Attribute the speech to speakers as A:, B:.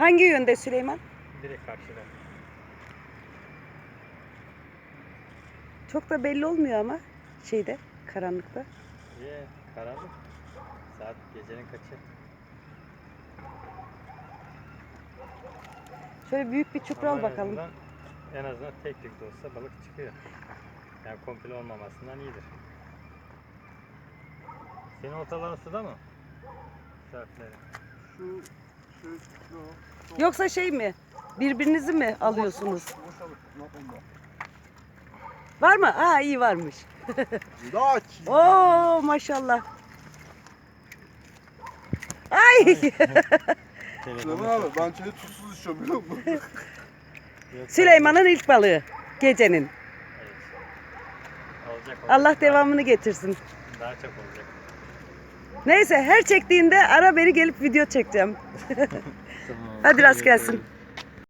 A: Hangi yönde Süleyman?
B: Direkt karşıda.
A: Çok da belli olmuyor ama şeyde, karanlıkta.
B: İyi, karanlık. Saat gecenin kaçı?
A: Şöyle büyük bir çupra al
B: Ama
A: bakalım.
B: en azından tek tük de olsa balık çıkıyor. Yani komple olmamasından iyidir. Senin oltaların suda mı? Sertleri.
A: Yoksa şey mi? Birbirinizi mi alıyorsunuz? Var mı? Aa, iyi varmış. Oo, maşallah. Ay!
C: Süleyman abi ben çayı tuzsuz içiyorum biliyor musun?
A: Süleyman'ın ilk balığı gecenin.
B: Evet. Olacak.
A: Allah devamını getirsin.
B: Daha çok olacak.
A: Neyse, her çektiğinde ara beni gelip video çekeceğim.
B: Tamam.
A: Hadi rast gelsin.